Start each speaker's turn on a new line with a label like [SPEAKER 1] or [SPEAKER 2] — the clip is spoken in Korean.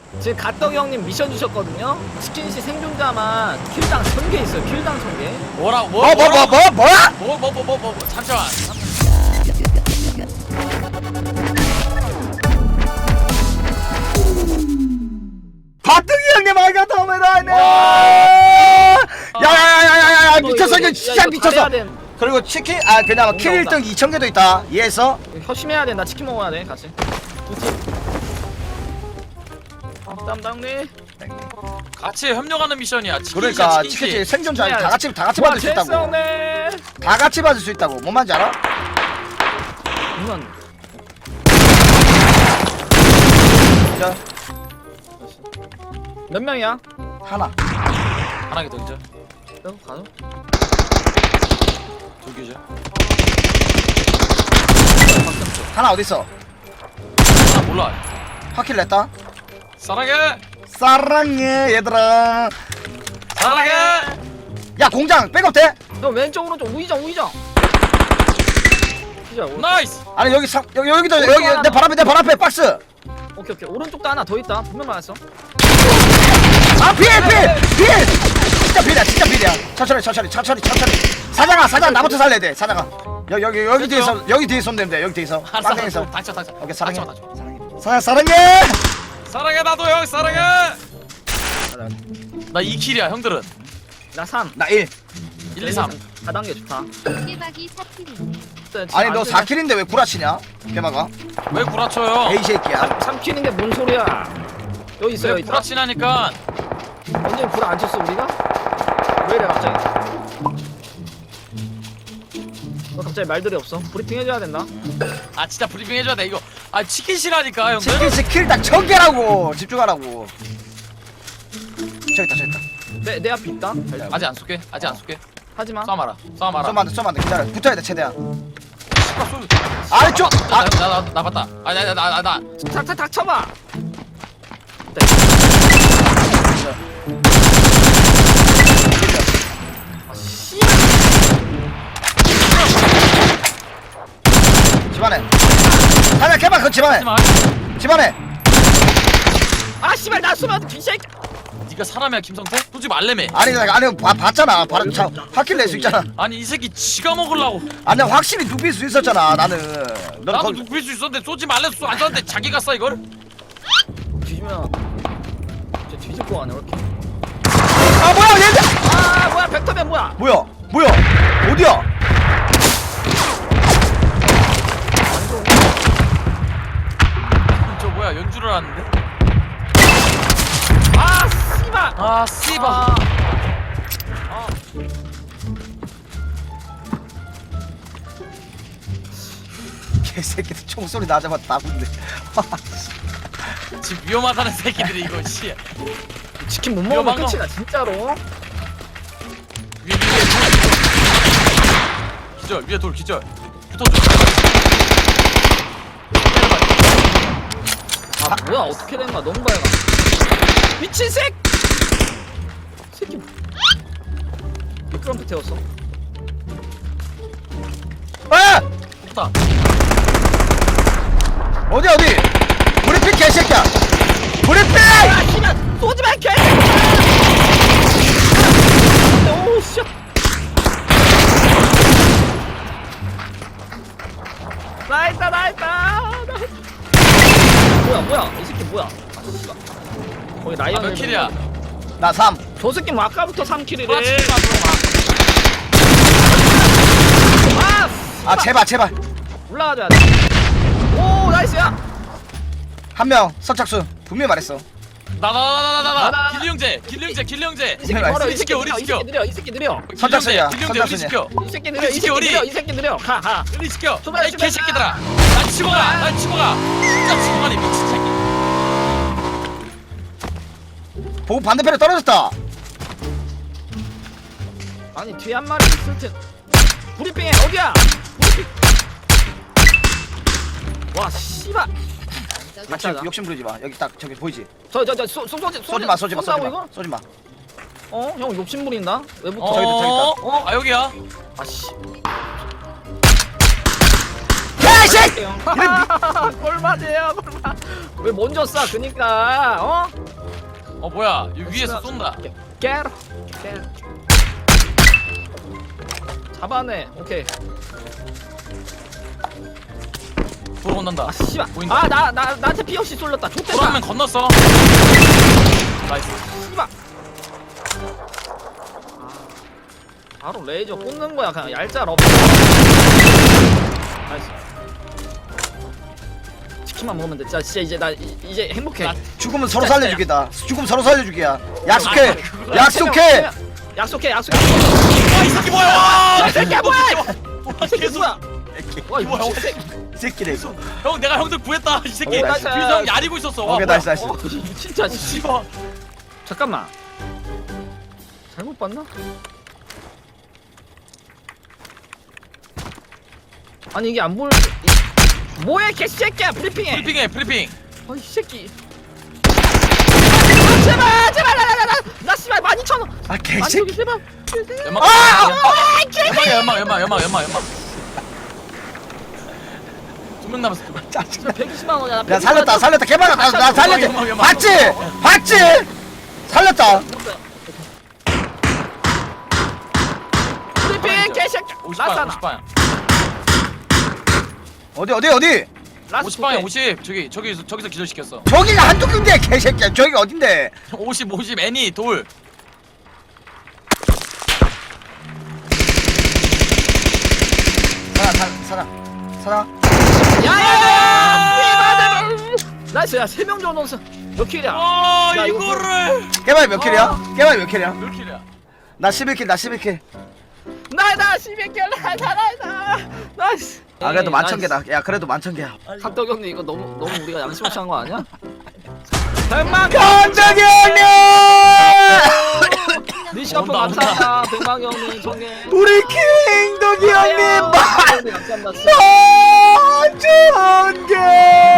[SPEAKER 1] 지금 갓떡이 형님 미션 주셨거든요. 치킨씨 생존자만 킬당 1000개 있어요. 킬당 1000개.
[SPEAKER 2] 뭐야? 잠시만.
[SPEAKER 3] 바뜨기 형님 알가토메라네. 야야야야야야 미쳤어 이거 진짜 미쳤어. 그리고 치킨 그냥 킬 1등 2000개도 있다. 이해했어?
[SPEAKER 1] 협심해야 된다. 치킨 먹어야 돼. 같이. 두 팀. 담당님.
[SPEAKER 2] 같이 협력하는 미션이야.
[SPEAKER 3] 그러니까 치킨 생존자 다 같이 받을 수 있다고. 다 같이 받을 수 있다고. 뭔 말인지 알아?
[SPEAKER 1] 이건
[SPEAKER 3] 자,
[SPEAKER 1] 몇 명이야?
[SPEAKER 3] 하나.
[SPEAKER 2] 하나 더 기절.
[SPEAKER 1] 가죠.
[SPEAKER 2] 둘 기절.
[SPEAKER 3] 하나 어디 있어?
[SPEAKER 2] 하나 몰라.
[SPEAKER 3] 확킬 냈다.
[SPEAKER 2] 사랑해.
[SPEAKER 3] 사랑해 얘들아.
[SPEAKER 2] 사랑해.
[SPEAKER 3] 야 공장 백업 돼?
[SPEAKER 1] 너 왼쪽 오른쪽 우이정.
[SPEAKER 2] 나이스.
[SPEAKER 3] 아니 여기도 여기 내 발 앞에 박스.
[SPEAKER 1] 오케이. 오른쪽도 하나 더 있다. 분명 맞았어.
[SPEAKER 3] 필 진짜 필이야. 천천히. 사장아 나부터 살려야 돼. 사장아 여기 뒤에 손 대면 돼. 여기 뒤에서 빵댕에서.
[SPEAKER 2] 닥쳐.
[SPEAKER 3] 오케이 사랑해.
[SPEAKER 2] 닥쳐.
[SPEAKER 3] 사랑해.
[SPEAKER 2] 사랑해 나도 형 사랑해. 나 2킬이야 형들은.
[SPEAKER 1] 나 3.
[SPEAKER 3] 나 1.
[SPEAKER 2] 1, 2, 3.
[SPEAKER 1] 4단계 좋다.
[SPEAKER 4] 깨박이 사킬이네.
[SPEAKER 3] 아니 너 4킬인데 왜 구라치냐? 개마가
[SPEAKER 2] 왜 구라쳐요?
[SPEAKER 3] 에이 새끼야.
[SPEAKER 1] 3킬인데 뭔 소리야? 여기 있어
[SPEAKER 2] 왜
[SPEAKER 1] 여기 있다.
[SPEAKER 2] 구라치냐니까.
[SPEAKER 1] 언제 불 안 쳤어 우리가? 왜 이래 갑자기? 너 갑자기 말들이 없어. 브리핑 해줘야 된다.
[SPEAKER 2] 아 진짜 브리핑 해줘야 돼 이거. 아 치킨 싫어하니까 형들.
[SPEAKER 3] 치킨 스킬 딱 1000개라고 집중하라고. 저기 있다.
[SPEAKER 1] 내 앞에 있다.
[SPEAKER 2] 아직 안 쏠게.
[SPEAKER 1] 하지마.
[SPEAKER 2] 쏴마라.
[SPEAKER 3] 쏘면 안 돼. 기다려. 붙어야 돼 최대한.
[SPEAKER 2] 쏠.
[SPEAKER 3] 아래쪽.
[SPEAKER 2] 나 봤다. 나.
[SPEAKER 1] 탁 쳐봐.
[SPEAKER 3] 집안에. 하나 개마 그 집안에. 집안에.
[SPEAKER 1] 아 씨발 나 쏘면 뒤새끼.
[SPEAKER 2] 네가 사람이야 김성태? 솔직히 말래매.
[SPEAKER 3] 아니 봤잖아. 바로 확킬 낼 수 있잖아.
[SPEAKER 2] 아니 이 새끼 지가 먹으려고.
[SPEAKER 3] 아니 확실히 눕힐 수 있었잖아 나는. 너는
[SPEAKER 2] 나도
[SPEAKER 3] 거기.
[SPEAKER 2] 눕힐 수 있었는데 쏘지 말래. 쏘안 쐈는데 자기가 쏴 이걸?
[SPEAKER 1] 뒤지면 저 뒤질 거 아니야 이렇게.
[SPEAKER 3] 아 뭐야 얘들.
[SPEAKER 1] 아 뭐야 벡터맨 뭐야?
[SPEAKER 3] 뭐야 어디야?
[SPEAKER 2] 저 뭐야 연주를 하는데?
[SPEAKER 1] 아 씨발.
[SPEAKER 2] 아 씨발.
[SPEAKER 3] 개새끼들 총소리 나자마자 나군데.
[SPEAKER 2] 지금 위험하다는 새끼들이 이거 씨.
[SPEAKER 1] 치킨 못 먹으면
[SPEAKER 2] 이거
[SPEAKER 1] 끝이다 진짜로.
[SPEAKER 2] 위에 기절 위에 돌 기절. 붙어줘.
[SPEAKER 1] 아 뭐야 어떻게 된 거야 너무 밝아. 미친 새끼 미끄럼프 태웠어.
[SPEAKER 3] 아!
[SPEAKER 2] 좋다.
[SPEAKER 3] 어디 브리핑 개새끼야. 브리핑.
[SPEAKER 1] 아 씨발 쏘지마 개. 오우 씨. 나있다. 뭐야 이 새끼 뭐야? 아 씨발. 거기 라이언.
[SPEAKER 2] 몇 킬이야?
[SPEAKER 3] 나 3.
[SPEAKER 1] 저 새끼 뭐 아까부터 3킬이래.
[SPEAKER 2] 구라치지 마
[SPEAKER 1] 아
[SPEAKER 3] 제발.
[SPEAKER 1] 올라가줘야 돼. 오 나이스야.
[SPEAKER 3] 한 명 선착순 분명히 말했어.
[SPEAKER 2] 나. 길령제.
[SPEAKER 1] 이 새끼
[SPEAKER 3] 나이스.
[SPEAKER 1] 멀어. 이 새끼
[SPEAKER 2] 시켜, 우리
[SPEAKER 1] 느려. 이 새끼 느려.
[SPEAKER 3] 선착순이야.
[SPEAKER 2] 길령제 우리 시켜.
[SPEAKER 1] 이 새끼 느려. 가.
[SPEAKER 2] 우리 시켜.
[SPEAKER 1] 정말
[SPEAKER 2] 이 개새끼들아. 난 치고 가. 진짜 치고 가니 미친 새끼.
[SPEAKER 3] 보고 반대편에 떨어졌다.
[SPEAKER 1] 아니 뒤에 한 마리 있을 텐. 브리핑해 어디야? 브리핑. 와 씨발.
[SPEAKER 3] 욕심 부리지 마. 여기 딱 저기 보이지?
[SPEAKER 1] 쏘지
[SPEAKER 3] 쏘지 마.
[SPEAKER 1] 어? 형 욕심 부린다? 왜 붙어?
[SPEAKER 3] 저기 있다.
[SPEAKER 2] 아 여기야.
[SPEAKER 1] 아씨.
[SPEAKER 3] 개새끼! 개새끼!
[SPEAKER 1] 꼴맞이에요 꼴맞. 왜 먼저 쏴 그니까 어?
[SPEAKER 2] 뭐야 여기 위에서 쏜다.
[SPEAKER 1] 깨로 잡아내. 오케이.
[SPEAKER 2] 돌아온단다.
[SPEAKER 1] 아 씨발.
[SPEAKER 2] 보인다.
[SPEAKER 1] 나한테 피 없이 쏠렸다. 좆됐다.
[SPEAKER 2] 돌아오면 건넜어. 나이스.
[SPEAKER 1] 씨발. 바로 레이저 꽂는 거야. 그냥 얄짤 없어. 나이스. 치킨만 먹으면 돼. 진짜 이제 나 이제 행복해.
[SPEAKER 2] 나-
[SPEAKER 3] 죽으면 서로
[SPEAKER 1] 진짜,
[SPEAKER 3] 살려주기다. 죽으면 서로 살려주기야. 약속해. 약속해.
[SPEAKER 1] 약속해.
[SPEAKER 2] 와 이 새끼 뭐야? 와,
[SPEAKER 1] 이 새끼야 뭐야? 이 새끼
[SPEAKER 2] 계속.
[SPEAKER 1] 뭐야? 와
[SPEAKER 2] 뭐야,
[SPEAKER 1] 이거 새끼.
[SPEAKER 3] 이 새끼네 이거.
[SPEAKER 2] 형 내가 형들 구했다. 이 새끼.
[SPEAKER 1] 오, 나이스.
[SPEAKER 2] 뒤에서 형 야리고 있었어. 와,
[SPEAKER 3] 오케이
[SPEAKER 2] 뭐야.
[SPEAKER 3] 나이스 나이스.
[SPEAKER 1] 진짜 씨.
[SPEAKER 2] 씨발.
[SPEAKER 1] 잠깐만. 잘못 봤나? 아니 이게 안 보여. 뭐해 개새끼야 브리핑해.
[SPEAKER 2] 프리핑해 프리핑.
[SPEAKER 1] 어이 새끼. 아, 제발 나 씨발 12,000원.
[SPEAKER 3] 아 개새끼.
[SPEAKER 1] 제발.
[SPEAKER 2] 연막. 연막. 2명 남았어.
[SPEAKER 3] 짜증나.
[SPEAKER 1] 120만 원이야.
[SPEAKER 3] 야 살렸다 개발아 나 살렸지.
[SPEAKER 2] 연막.
[SPEAKER 3] 봤지 살렸다.
[SPEAKER 1] 브리핑 개새끼.
[SPEAKER 2] 50방
[SPEAKER 1] 라스나.
[SPEAKER 2] 50방.
[SPEAKER 3] 어디
[SPEAKER 1] 라스
[SPEAKER 2] 50방에 50. 저기서 기절시켰어.
[SPEAKER 3] 저기가 한두 군데 개새끼야. 저기 어딘데?
[SPEAKER 2] 50 애니 돌.
[SPEAKER 3] 사장.
[SPEAKER 1] 야야야. 나이스 야 3명 정도 몇 킬이야?
[SPEAKER 2] 와
[SPEAKER 1] 야, 이거
[SPEAKER 2] 이거를.
[SPEAKER 3] 개발 몇 킬이야? 개발 몇 킬이야?
[SPEAKER 2] 몇 킬이야?
[SPEAKER 3] 나 11킬.
[SPEAKER 1] 나이다 12킬 나이다 나이스.
[SPEAKER 3] 아 그래도
[SPEAKER 1] 에이,
[SPEAKER 3] 11,000개다. 야 그래도 11,000개야.
[SPEAKER 1] 나이스. 탁덕 형님 이거 너무 우리가 양심 없이 한 거 아니야? 100만
[SPEAKER 3] 건정이 형님!
[SPEAKER 1] 니시카프
[SPEAKER 2] 온다, 온다.
[SPEAKER 1] 감사합니다. 100만 형님 정해.
[SPEAKER 3] 우리 킹덕이 형님
[SPEAKER 1] 감사합니다.
[SPEAKER 3] 만 좋은 게